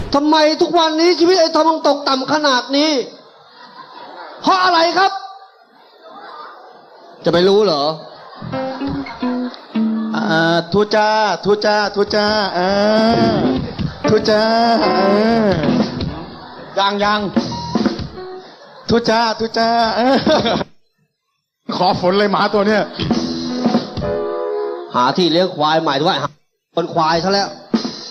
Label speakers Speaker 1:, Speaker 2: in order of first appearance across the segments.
Speaker 1: ทำไมทุกวันนี้ชีวิตไอ้ทอมต้องตกต่ำขนาดนี้เพราะอะไรครับจะไปรู้เหรอ
Speaker 2: ทูจ้าทูจ้าทูจ้าทูจ้ายังทูจ้าทูจ้าขอฝนเลยหมาตัวเนี้ย
Speaker 1: หาที่เลี้ยงควายใหม่ด้วยคนควายซะแล้ว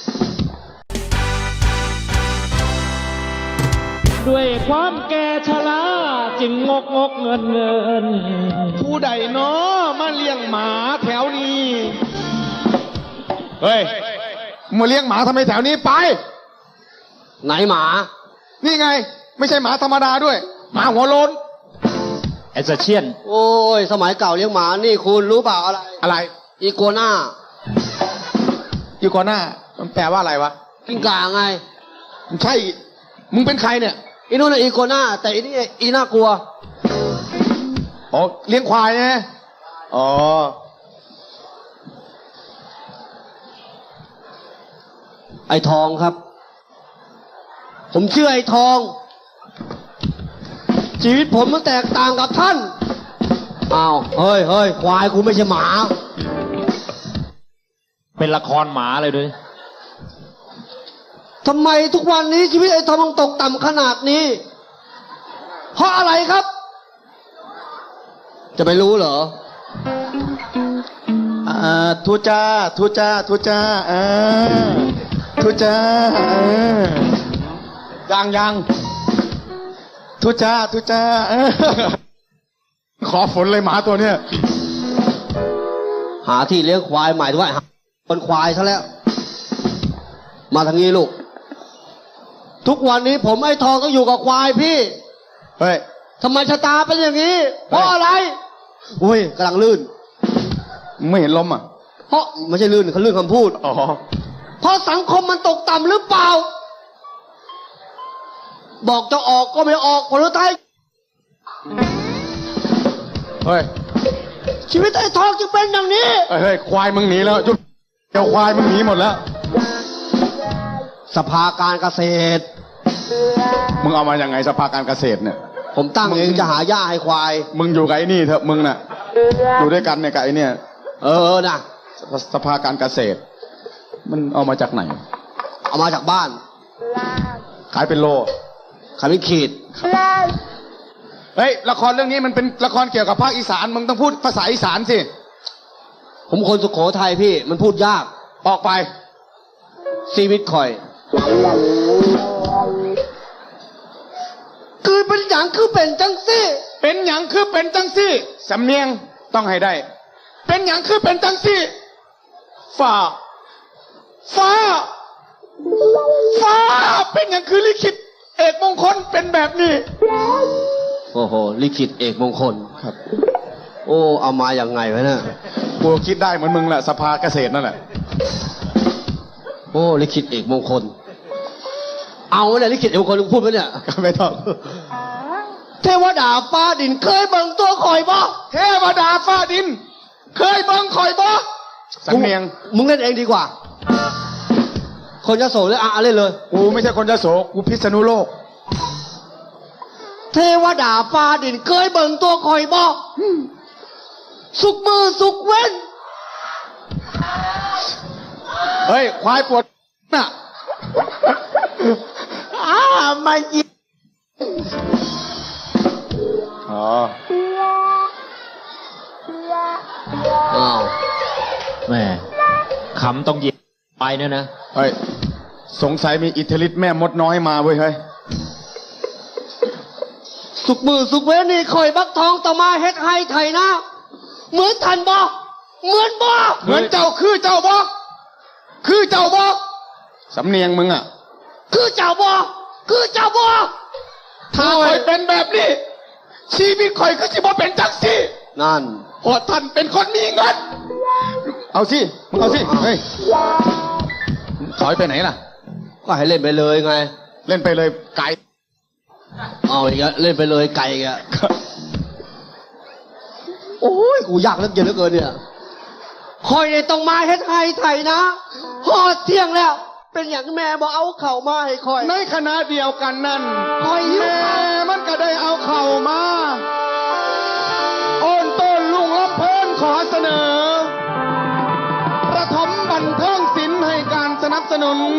Speaker 3: ด้วยความแก่ชราจึงงกเงิน
Speaker 2: ผู้ใดเนาะมาเลี้ยงหมาแถวนี้เฮ้ยมาเลี้ยงหมาทำไมแถวนี้ไป
Speaker 1: ไหนหมา
Speaker 2: นี่ไงไม่ใช่หมาธรรมดาด้วยหมาหัวโล้น
Speaker 3: ไอ้เชียน
Speaker 1: โอ้ยสมัยเก่าเลี้ยงหมานี่คุณรู้เปล่าอะไรอีโกน่า
Speaker 2: อีโกน่ามันแปลว่าอะไรวะ
Speaker 1: กิ้งก่าไง
Speaker 2: ใช่มึงเป็นใครเนี่ย
Speaker 1: อีนู่นน่ะอีโกน่าแต่อีนี่อีน่ากลัว
Speaker 2: อ๋อเลี้ยงควายไงอ๋อ
Speaker 1: ไอ้ทองครับผมชื่อไอ้ทองชีวิตผมมันแตกต่างกับท่านอ้าวเฮ้ยควายกูไม่ใช่หมา
Speaker 3: เป็นละครหมาเลยด้วย
Speaker 1: ทำไมทุกวันนี้ชีวิตไอ้ทอมต้องตกต่ำขนาดนี้เพราะอะไรครับจะไปรู้เหรอ
Speaker 2: ทูจ้าทูจ้าทูจ้าทูจ้ายังทูจ้าทูจ้าขอฝนเลยหมาตัวเนี้ย
Speaker 1: หาที่เลี้ยงควายใหม่ด้วยคนควายซะแล้วมาทางนี้ลูกทุกวันนี้ผมไอ้ทองต้องอยู่กับควายพี่
Speaker 2: เฮ้ย
Speaker 1: ทำไมชะตาเป็นอย่างนี้เพราะอะไรอุ้ยกำลังลื่น
Speaker 2: ไม่เห็นล้มอ่ะ
Speaker 1: เพราะไม่ใช่ลื่นเขาลื่นคำพูด
Speaker 2: อ๋อ
Speaker 1: เพราะสังคมมันตกต่ำหรือเปล่าบอกจะออกก็ไม่ออกผลท้าย
Speaker 2: เฮ้ย
Speaker 1: ชีวิตไอ้ทองจึงเป็นอย่างนี้
Speaker 2: เฮ้ยควายมึงหนีแล้วจุ๊บเจ้าควายมึงหนีหมดแล้ว
Speaker 1: สภาการเกษตร
Speaker 2: มึงเอามายังไงสภาการเกษตรเนี่ย
Speaker 1: ผมตั้งเองจะหาหญ้าให้ควาย
Speaker 2: มึงอยู่กับไอ้นี่เถอะมึงน่ะอยู่ด้วยกันเนี่ยกับไอ้เนี่ย
Speaker 1: นะ
Speaker 2: สภาการเกษตรมันเอามาจากไหน
Speaker 1: เอามาจากบ้าน
Speaker 2: ขายเป็นโล
Speaker 1: ขายเป็นขีด
Speaker 2: เฮ้ยละครเรื่องนี้มันเป็นละครเกี่ยวกับภาคอีสานมึงต้องพูดภาษาอีสานสิ
Speaker 1: ผมคนสุโขทัยพี่มันพูดยาก
Speaker 2: ออกไป
Speaker 1: ชีวิตคอยคือเป็นอย่างคือเป็นจังซี่
Speaker 2: เป็นอย่างคือเป็นจังซี่สำเนียงต้องให้ได้เป็นอย่างคือเป็นจังซี่ฟ้าเป็นอย่างคือลิขิตเอกมงคลเป็นแบบนี้
Speaker 1: โอ้โหลิขิตเอกมงคล
Speaker 2: ครับ
Speaker 1: โอ้เอามาอย่างไงวะเนี่ย
Speaker 2: กูคิดได้เหมือนมึงแหละสภาเกษตรนั่นแหละ
Speaker 1: โอ้ลิขิตเอกมงคลเอาเนี่ยลิขิตเอกมงคลพูดไหมเนี่ย
Speaker 2: ไม่ต้อง
Speaker 1: เทวดาฟ้าดินเคยเบิ่งตัวคอยบ่
Speaker 2: เทวดาฟ้าดินเคยเบิ่งคอยบ่สำเนียง
Speaker 1: มึงเล่นเองดีกว่าคนยโสเลยเล่นเลย
Speaker 2: กูไม่ใช่คนยโสกูพิษณุโลก
Speaker 1: เทวดาฟ้าดินเคยเบิ่งตัวคอยบ่สุกมือสุกเว้น
Speaker 2: เฮ้ยควายปวดน่ะ
Speaker 1: มายิง
Speaker 2: อ๋อ
Speaker 1: อ้าว
Speaker 3: แม่ขำต้องเย็บไปเนี่ยนะ
Speaker 2: เฮ้ยสงสัยมีอิทธิฤทธิ์แม่มดน้อยมาเว้ยเฮ้ย
Speaker 1: สุกมือสุกเว้นนี่คอยบักทองต่อมาเฮ็ดให้ไทยนะเหมือนทันบ่เหมือนบ่
Speaker 2: เหมือนเจ้าคือเจ้าบ่คือเจ้าบ่สำเนียงมึงอ่ะ
Speaker 1: คือเจ้าบ่คือเจ้าบ่
Speaker 2: ถ้าคอยเป็นแบบนี้ชีวิตคอยก็สิบ่เป็นจังซี่
Speaker 1: นั่น
Speaker 2: เพราะท่านเป็นคนมีเงินเอาสิมึงเอาสิเฮ้ยถอยไปไหนล่ะ
Speaker 1: ก็ให้เล่นไปเลยไง
Speaker 2: เล่นไปเลยไก่
Speaker 1: เอาอีกแล้วเล่นไปเลยไก่อีกแล้วโอ้ยกูยากเหลือเกินเนี่ยคอยในต้องมาเฮ็ดให้ไทยนะพอเที่ยงแล้วเป็นอย่างแม่บอกเอาเข่ามาให้คอย
Speaker 2: ในขณะเดียวกันนั้น
Speaker 1: คอยหิว
Speaker 2: แม่
Speaker 1: ข้าว
Speaker 2: มันก็ได้เอาเข่ามาโอนต้นลุงรับเพิ่นขอเสนอ ประถมบันเทิงศิลป์ให้การสนับสนุน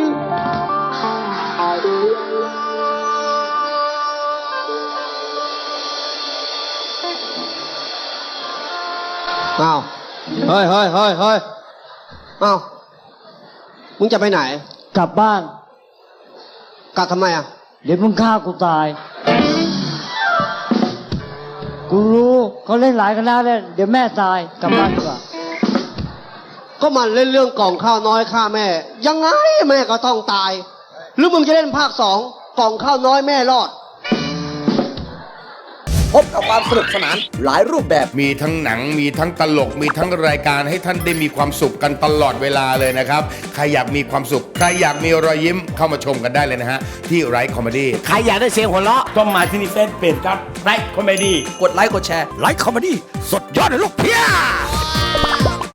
Speaker 1: อ้าวเฮ้ยอ้าวมึงจะไปไหน
Speaker 4: กลับบ้าน
Speaker 1: กลับทำไมอ่ะ
Speaker 4: เดี๋ยวมึงฆ่ากูตาย กูรู้เขาเล่นหลายคณะเล่นเดี๋ยวแม่ตายกลับบ้านดีกว่า
Speaker 1: ก็มันเล่นเรื่องกล่องข้าวน้อยฆ่าแม่ ยังไงแม่ก็ต้องตาย หรือมึงจะเล่นภาค 2กล่องข้าวน้อยแม่รอด
Speaker 5: พบกับความสนุกสนานหลายรูปแบบ
Speaker 6: มีทั้งหนังมีทั้งตลกมีทั้งรายการให้ท่านได้มีความสุขกันตลอดเวลาเลยนะครับ ใครอยากมีความสุข ใครอยากมีรอยยิ้มเข้ามาชมกันได้เลยนะฮะ ที่ไรคอมเมดี้
Speaker 5: ใครอยากได้เสียงหัวเราะ
Speaker 7: ต้องมาที่นี่เฟซเพจครับไลค์คอมเมดี้
Speaker 5: กดไลค์กดแชร์ไลค์คอมเมดี้สดยอดเลยลูกเพีย